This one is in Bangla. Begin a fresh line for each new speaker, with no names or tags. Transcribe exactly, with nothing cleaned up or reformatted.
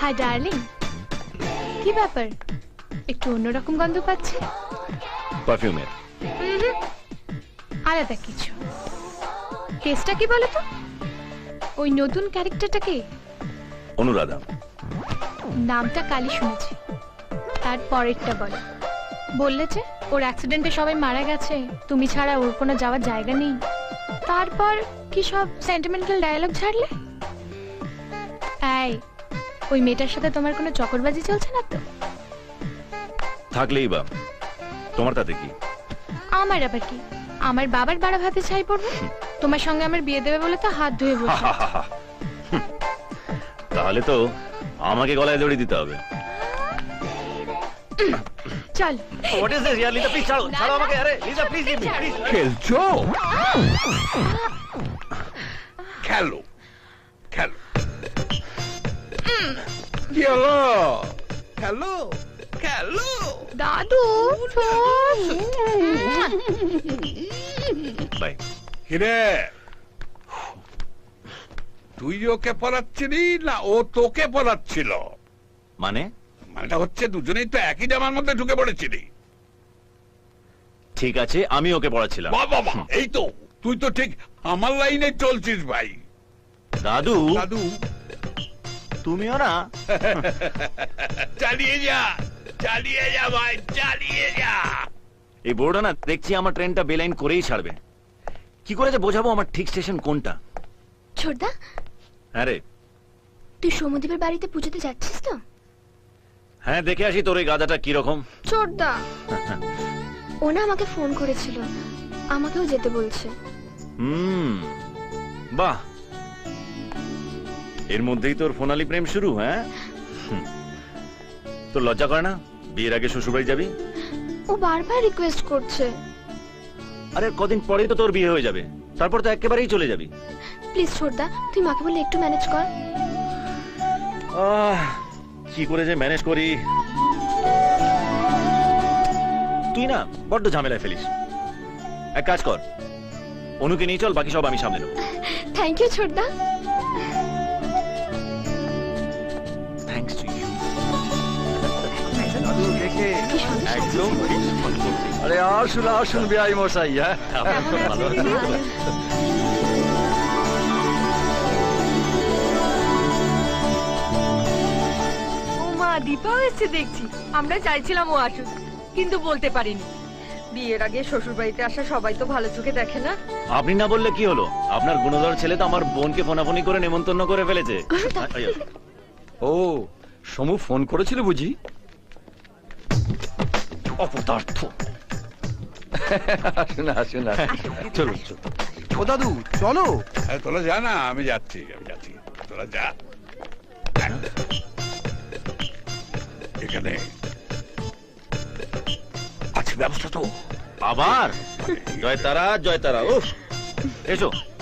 হাই ডার্লিং, কি ব্যাপার? একটু অন্যরকম গন্ধ পাচ্ছে।
পারফিউমের।
আলাদা কিছু। কেসটা কি বলো তো? ওই নতুন ক্যারেক্টারটা কি?
অনুরাধা।
নামটা কালই শুনেছি। তার পরেরটা বলো। বললে যে ওর অ্যাক্সিডেন্টে সবাই মারা গেছে, তুমি ছাড়া ওর কোনো যাওয়ার জায়গা নেই। তারপর কি সব সেন্টিমেন্টাল ডায়ালগ ছাড়লে? এই, ওই মেয়েটার সাথে তোমার কোনো চক্করবাজি চলছে না তো?
থাকলেই বা, তোমার তাতে কি?
আমার আবার কি? আমার বাবার বাড়া ভাতে ছাই পড়বে। তোমার সঙ্গে আমার বিয়ে দেবে বলে তো হাত ধুয়ে বসে।
তাহলে তো আমাকে গলায় দড়ি দিতে হবে।
চল।
What is this? Yeah, Lisa, please ছাড়ো, ছাড়ো আমাকে। আরে Lisa, please leave me, please.
খেলছো? খেলো, খেলো। কি হলো? খেলো, খেলো।
দাদু
বাই।
কিরে, তুই ওকে পড়াচ্ছিলি না ও তোকে পড়াচ্ছিল?
মানে?
মানেটা হচ্ছে দুজনেই তো একই জামার মধ্যে ঢুকে পড়েছিলি।
ঠিক আছে, আমি ওকে পড়াচ্ছিলাম।
বাহ বাবা, এই তো তুই তো ঠিক আমার লাইনে চলছিস ভাই।
দাদু,
দাদু
তুমিও না?
চালিয়ে যা, চালিয়ে যা ভাই, চালিয়ে যা।
এই বোর্ডটা না দেখছি আমার ট্রেনটা বেলাইন করেই ছাড়বে। কি করে যে বোঝাবো আমার ঠিক স্টেশন কোনটা?
ছোটদা,
হ্যাঁ রে।
তুই সৌমদীপের বাড়িতে পুজোতে যাচ্ছিস তো?
হ্যাঁ, দেখে আসি তোর এই গাধাটা কিরকম।
ছোটদা, ও না আমাকে ফোন করেছিল, আমাকেও যেতে বলছে।
হুম, বাহ, এর মধ্যেই তোর ফোনালি প্রেম শুরু? হ্যাঁ, হুম। তোর লজ্জা করে না বিয়ের আগে শ্বশুরবাড়ি যাবি?
ও বারবার রিকোয়েস্ট করছে।
আরে কদিন পরেই তো তোর বিয়ে হয়ে যাবে, তারপর তো একেবারেই চলে যাবি।
প্লিজ ছোটদা, তুই মাকে বলে একটু ম্যানেজ কর।
আহ, কি করে যে ম্যানেজ করি। তুই না বড্ড ঝামেলায় ফেলিস। এক কাজ কর, অনুকে নিয়ে চল, বাকি সব আমি সামলে নেব।
থ্যাংক ইউ ছোটদা।
Thanks to you.
একদম আরে আসুন আসুন বিআই মশাই। হ্যাঁ, ভালো
ও মা, দীপাও এসছে দেখছি। আমরা চাইছিলাম ও আসুক, কিন্তু বলতে পারিনি। বিয়ের আগে শ্বশুর বাড়িতে আসা সবাই তো ভালো চোখে দেখে না।
আপনি না বললে কি হলো, আপনার গুণধর ছেলে তো আমার বোনকে ফোনাফোনি করে নেমন্তন্ন করে ফেলেছে।
ও, সমু ফোন করেছিল বুঝি?
অপদার্থ।
আসুন আসুন আসুন, চলুন চলুন। ও দাদু চলো।
আরে তোরা যা না, আমি যাচ্ছি, আমি যাচ্ছি, তোরা যা। এখানে আছে ব্যবস্থা তো?
আবার জয় তারা, জয় তারা। উফ, এসো।